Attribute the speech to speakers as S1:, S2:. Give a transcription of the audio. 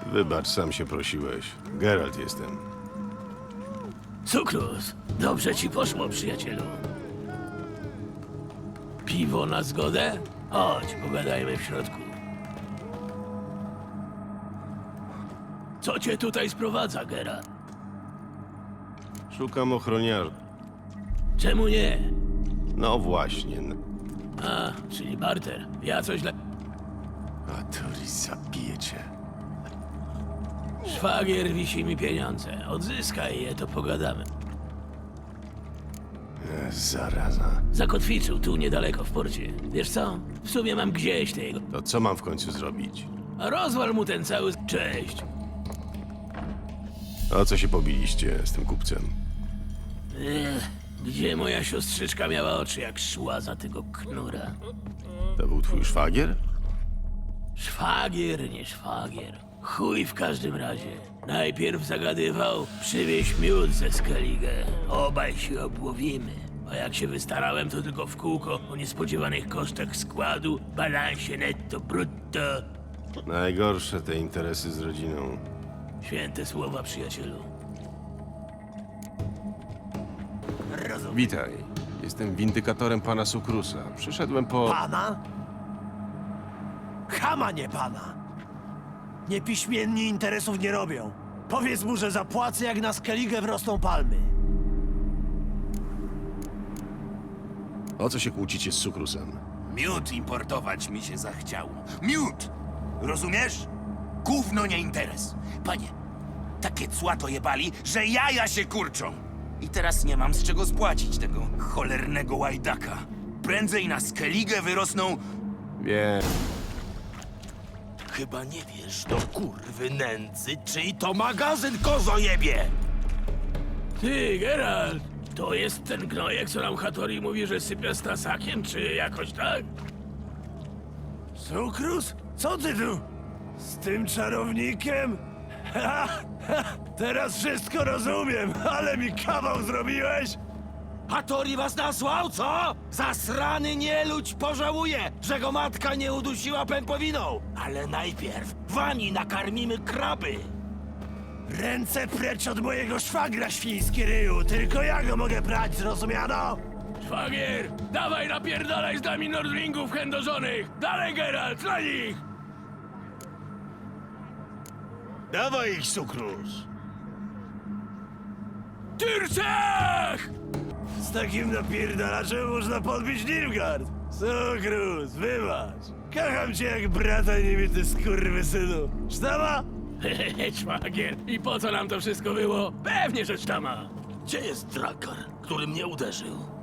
S1: Wybacz, sam się prosiłeś. Geralt jestem.
S2: Cukrus, dobrze ci poszło, przyjacielu. Piwo na zgodę? Chodź, pogadajmy w środku. Co cię tutaj sprowadza, Geralt?
S1: Szukam ochroniarza.
S2: Czemu nie?
S1: No właśnie.
S2: A, czyli barter. Ja coś dla...
S1: A to zabije cię.
S2: Szwagier wisi mi pieniądze. Odzyskaj je, to pogadamy.
S1: Zaraza.
S2: Zakotwiczył tu niedaleko w porcie. Wiesz co? W sumie mam gdzieś tego.
S1: To co mam w końcu zrobić?
S2: A rozwal mu ten cały... Cześć.
S1: O co się pobiliście z tym kupcem?
S2: Gdzie moja siostrzyczka miała oczy, jak szła za tego knura?
S1: To był twój szwagier?
S2: Szwagier, nie szwagier. Chuj w każdym razie. Najpierw zagadywał, przywieź miód ze Skellige. Obaj się obłowimy. A jak się wystarałem, to tylko w kółko o niespodziewanych kosztach składu, balansie netto brutto.
S1: Najgorsze te interesy z rodziną.
S2: Święte słowa, przyjacielu.
S1: Witaj. Jestem windykatorem pana Sukrusa. Przyszedłem po...
S3: Pana? Chama, nie pana. Niepiśmienni interesów nie robią. Powiedz mu, że zapłacę, jak na Skellige wrosną palmy.
S1: O co się kłócicie z Sukrusem?
S4: Miód importować mi się zachciało. Miód! Rozumiesz? Gówno nie interes. Panie, takie cła to jebali, że jaja się kurczą. I teraz nie mam z czego spłacić tego cholernego łajdaka. Prędzej na Skellige wyrosną...
S1: Wiem.
S4: Chyba nie wiesz, do kurwy nędzy, czyj to magazyn kozojebie!
S2: Ty, Geralt, to jest ten gnojek, co nam Hattori mówi, że sypia z tasakiem, czy jakoś tak?
S3: Cukrus? Co ty tu? Z tym czarownikiem? Teraz wszystko rozumiem, ale mi kawał zrobiłeś!
S4: Hattori was nasłał, co? Zasrany nieludź pożałuje, że go matka nie udusiła pępowiną. Ale najpierw wani nakarmimy kraby.
S3: Ręce precz od mojego szwagra, świński ryju! Tylko ja go mogę brać, zrozumiano?
S2: Szwagier, dawaj napierdalaj z nami Nordlingów chędożonych! Dalej, Geralt, na nich!
S3: Dawaj ich, Cukrus!
S2: Tyrczech!
S3: Z takim napierdalaczem można podbić Nilfgaard! Cukrus, wybacz! Kocham cię jak brata niebity skurwysynu! Sztama?
S2: Hehehe, szwagier, i po co nam to wszystko było? Pewnie, że sztama!
S4: Gdzie jest Drakar, który mnie uderzył?